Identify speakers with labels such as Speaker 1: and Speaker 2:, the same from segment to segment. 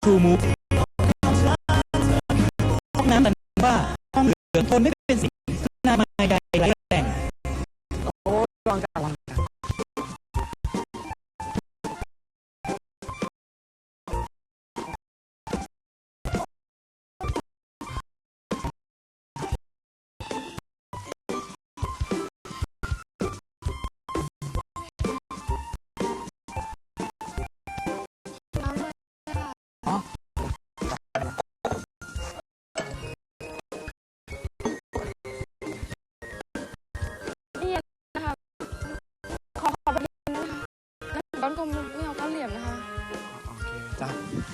Speaker 1: ทูมูฟห้องน้ำแต่ว่าห้องเหลืองทนไม่เป็นสิ่งนามาใดไร้แรง
Speaker 2: โอ้ลองจับ
Speaker 3: บ้านกลมไม่เอาก้อนเหลี่ยมนะคะ
Speaker 2: โอเคจ้ะ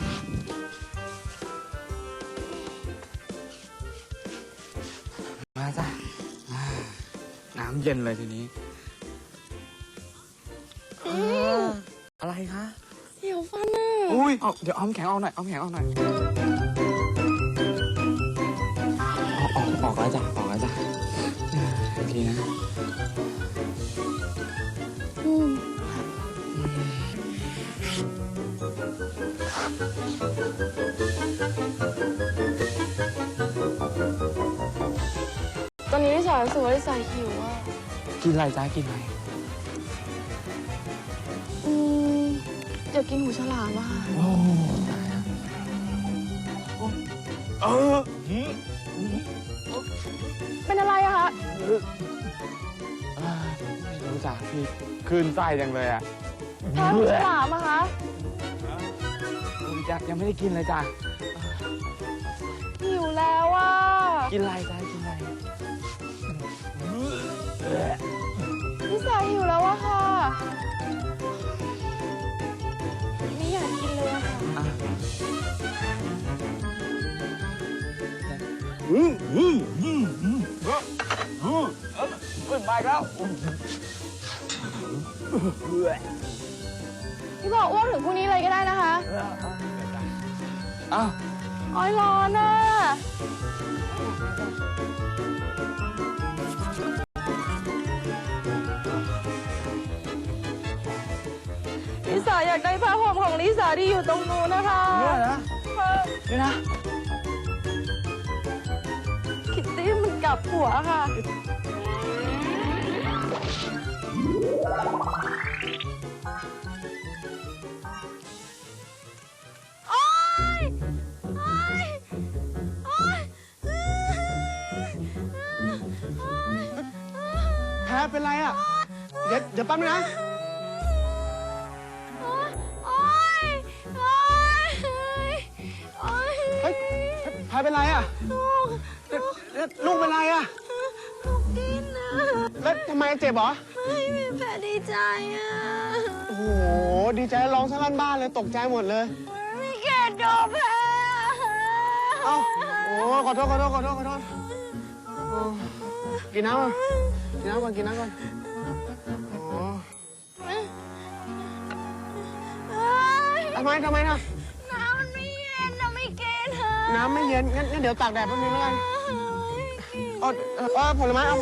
Speaker 2: มาจ้ะน้ำเย็นเลยทีนี้อะไรคะ
Speaker 3: เหี่ยวฟันอ่ะ
Speaker 2: อุ้ยเดี๋ยวเอาแข็งเอาหน่อยเอาแข็งเอาหน่อยออกแล้วจ้ะออกแล้วจ้ะโอเคนะ
Speaker 3: ตอนนี้ลิสารู้สึกว่าลิสาหิวอ่ะ
Speaker 2: กินอะไรจ้ากินอะไร
Speaker 3: อยากกินหูฉลามอ่ะ
Speaker 2: โอ้ตายแล้ว
Speaker 3: เป็นอะไรอะคะ
Speaker 2: ไม่รู้จ้ะพี่คลื่นไส้จังเลยอ่ะ
Speaker 3: แพ้หูฉลามอะคะ
Speaker 2: ยังไม่ได้กินเลยจ้ะ
Speaker 3: หิวแล้วอ่ะ
Speaker 2: กินอะไรจ้ากินอะไร
Speaker 3: ลิสาหิวแล้วอะค่ะไม่อยากกินเลยอะค่ะ
Speaker 2: ขึ้นไปแล้ว
Speaker 3: พี่บอกอ้วนถึงพรุ่งนี้เลยก็ได้นะคะ
Speaker 2: อ้าว
Speaker 3: อ้อยร้อนอ่ะลิสาอยากได้ผ้าห่มของลิสาที่อยู่ตรงนู้นนะคะ
Speaker 2: เนี่ยนะนี่นะ
Speaker 3: คิตตี้มันกลับหัวค่ะ
Speaker 2: แพ้เป็นไรอ่ะเดี๋ยวแป๊บนึงนะเฮ้ยแพ้เป็นไรอ่ะลูกเป็นไรอ่ะ
Speaker 3: กินนะ
Speaker 2: แล้วทำไมเจ็บเหรอ
Speaker 3: ไม่แพ้ดีใจอ่ะ
Speaker 2: โอ้โหดีใจร้องสลั่นบ้านเลยตกใจหมดเลย
Speaker 3: มีเกดโดนแพ้
Speaker 2: เอ้าโอ้ขอโทษกินน้ำก่อนกินน้ำก่อนโอ้ทำไมนะ
Speaker 3: น้ำมันไม่เย็นนะไม่เกด
Speaker 2: น้ำไม่เย็นงั้นเดี๋ยวตากแดดแป๊บนึงแล้วกันผลไม้เอา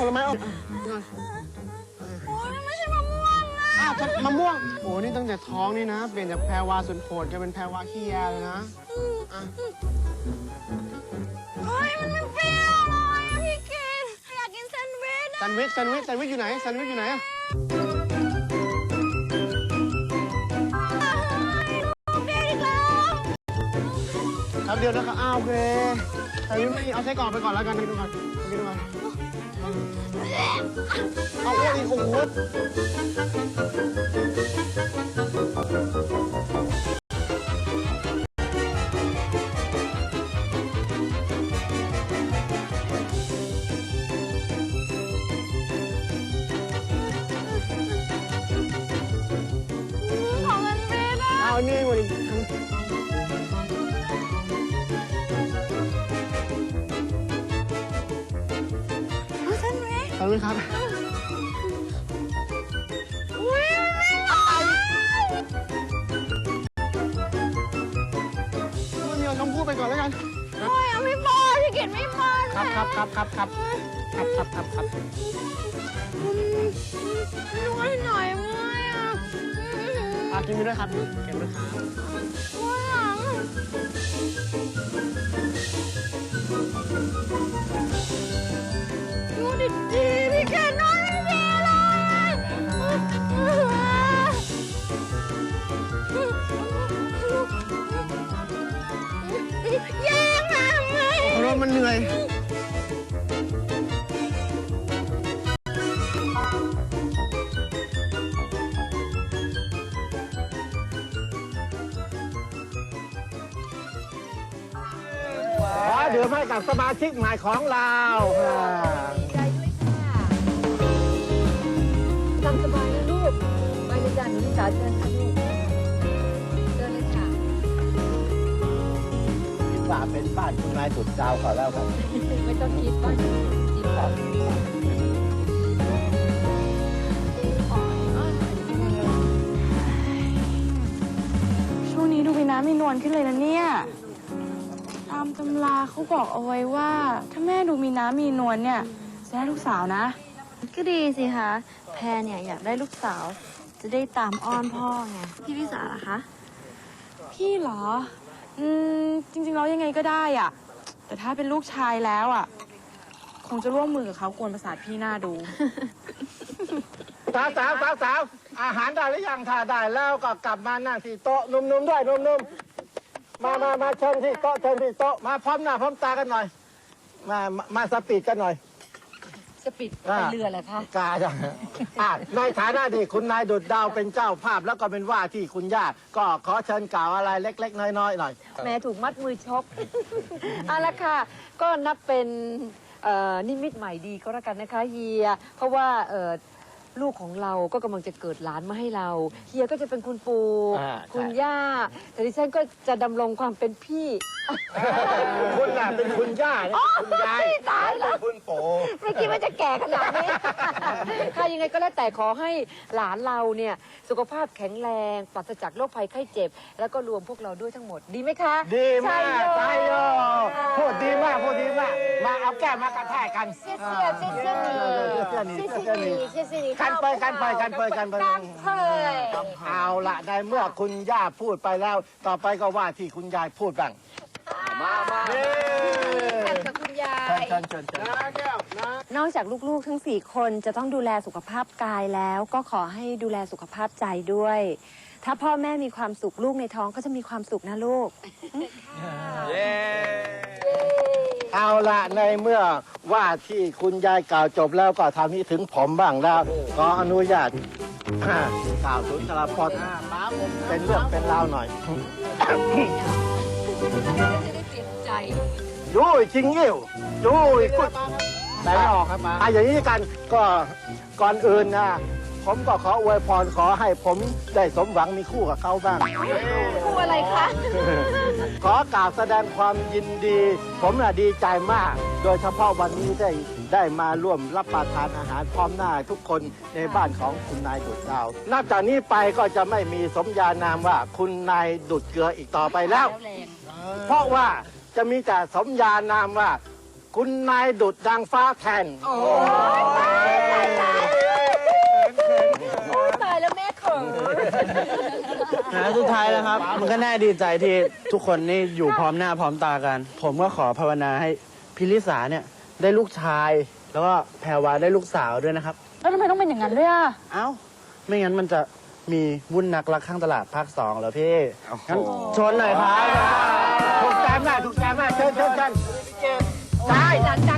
Speaker 3: โอ้ยไม่ใช่มะม่วงอ่ะ
Speaker 2: มะม่วงโอ้นี่ตั้งแต่ท้องนี่นะเปลี่ยนจากแพรวาสุดโหดจะเป็นแพรวาขี้แยเลยนะ
Speaker 3: เฮ้ยมันไม่เปรี้ยวเลยพี่เกดอยากกินแซนด์วิช
Speaker 2: แซนด์วิชอยู่ไหนแซนด์วิชอยู่ไหนครับเดียวนะครับโอเคแต่ยังไม่เอาไส้กรอกไปก่อนแล้วกันกินดูก่อนเอาอ้วนอีกโอ้โห
Speaker 3: ของเงินเบสอ่ะ
Speaker 2: เอานี่มาดิเอาเลยครับมันมีเอาชมพู่ไปก่อนแล้วกัน
Speaker 3: โอ้ยไม่พอพี่เกดไม่พอ
Speaker 2: ครับ
Speaker 3: นวดหน่อยเมื่อยอ่ะ
Speaker 2: กินไปด้วยครับเก็บด้วยครับ
Speaker 3: ว่าหลัง
Speaker 2: มันเหนื่อยขอดื่มให้กับสมาชิกใหม่ของเรา
Speaker 4: ใจด้วยค่ะตามสบายนะลูกไปเลยจ้ะหนูนิสาเชิญค่ะลูกเชิญเลยค่ะ
Speaker 2: คิดว่าเป็นบ้านคุณนายสุดดาวขอแล้วครับ
Speaker 4: ไม่ต้องคิดว่าจริงแบบ
Speaker 3: ช่วงนี้ดูมีน้ำมีนวลขึ้นเลยนะเนี่ยตามตำราเขาบอกเอาไว้ว่า ถ้าแม่ดูมีน้ำมีนวลเนี่ยจะได้ลูกสาวนะ
Speaker 5: ก็ดีสิคะ แพรเนี่ยอยากได้ลูกสาว จะได้ตามอ้อนพ่อไง พี่วิสาล่ะคะ
Speaker 3: พี่เหรอ จริงๆแล้วยังไงก็ได้อ่ะ แต่ถ้าเป็นลูกชายแล้วอ่ะ คงจะร่วมมือกับเขากวนประสาทพี่หน้าดู
Speaker 2: สาวอาหารได้หรือยังถ้าได้แล้วก็กลับมานั่งที่โต๊ะนุ่มๆด้วยนุ่มๆมาเชิญที่โต๊ะมาพร้อมหน้าพร้อมตากันหน่อย มาสปีดกันหน่อย
Speaker 4: จะปิดไปเรือเหรอคะ
Speaker 2: กาจ้ะในฐานะที่คุณนายดุจดาวเป็นเจ้าภาพแล้วก็เป็นว่าที่คุณย่าก็ขอเชิญกล่าวอะไรเล็กๆน้อยๆหน่อย
Speaker 4: แม่ถูกมัดมือชก เอาละค่ะ ก็นับเป็นนิมิตใหม่ดีก็แล้วกันนะคะเฮีย เพราะว่าลูกของเราก็กำลังจะเกิดหลานมาให้เรา เฮียก็จะเป็นคุณปู่ คุณย่า แต่ดิฉันก็จะดำรงความเป็นพี่
Speaker 2: คุณน่ะเป็นคุณย่าเนี่ยคุณยาย
Speaker 4: ตายแล้ว
Speaker 2: คุณโป๋
Speaker 4: ไม่คิดว่าจะแก่ขนาดนี้ ค่ะยังไงก็แล้วแต่ขอให้หลานเราเนี่ยสุขภาพแข็งแรงปราศจากโรคภัยไข้เจ็บ แล้วก็รวมพวกเราด้วยทั้งหมดดีไหมคะ
Speaker 2: ดีมาก
Speaker 4: ใช่โย
Speaker 2: พูดดีมากมาเอาแก้มมากระแทกกัน
Speaker 4: เชี่ย
Speaker 2: กันไปเอาละในเมื่อคุณย่าพูดไปแล้ว ต่อไปก็ว่าที่คุณยายพูดบ้างมา
Speaker 4: กับคุณยาย
Speaker 2: เชิญ
Speaker 5: นอกจากลูกๆทั้ง4 คนจะต้องดูแลสุขภาพกายแล้ว ก็ขอให้ดูแลสุขภาพใจด้วย ถ้าพ่อแม่มีความสุขลูกในท้องก็จะมีความสุขนะลูก
Speaker 2: เอาละในเมื่อว่าที่คุณยายกล่าวจบแล้วก็ทำนี้ถึงผมบ้างแล้วขออนุญาตกล่าวสุนทรพจน์เป็นเรื่องเป็นราวหน่อย
Speaker 4: จะได้เปลี่ยนใจ
Speaker 2: ยุ้ยชิงอิ่วยุ้ยกุดไหนออกครับมาอย่างนี้กันก็ก่อนอื่นนะผมก็ขออวยพรขอให้ผมได้สมหวังมีคู่กับเขาบ้าง
Speaker 4: คู่อะไรคะ
Speaker 2: ขอกราบแสดงความยินดี ผมน่ะดีใจมาก โดยเฉพาะวันนี้ได้มาร่วมรับประทานอาหารพร้อมหน้าทุกคนในบ้านของคุณนายดุจดาวนับจากนี้ไปก็จะไม่มีสมญานามว่าคุณนายดุจเกลืออีกต่อไปแล้ว เพราะว่าจะมีแต่สมญานามว่า คุณนายดุจดังฟ้าแทน
Speaker 4: ตายแล้วแม่เขิน
Speaker 1: สุดท้ายแล้วครับ มันก็น่าดีใจที่ทุกคนนี่อยู่พร้อมหน้าพร้อมตากัน ผมก็ขอภาวนาให้พิลิสาเนี่ยได้ลูกชาย แล้วก็แพรวาได้ลูกสาวด้วยนะครับ
Speaker 3: แล้วทำไมต้องเป็นอย่างนั้นด้วยอ่ะ
Speaker 1: เอ้า ไม่งั้นมันจะมีวุ่นนักรักข้างตลาดภาค 2เหรอพี่งั้นชนหน่อยครับ
Speaker 2: ถูกใจมากเชิญใช่
Speaker 4: จัด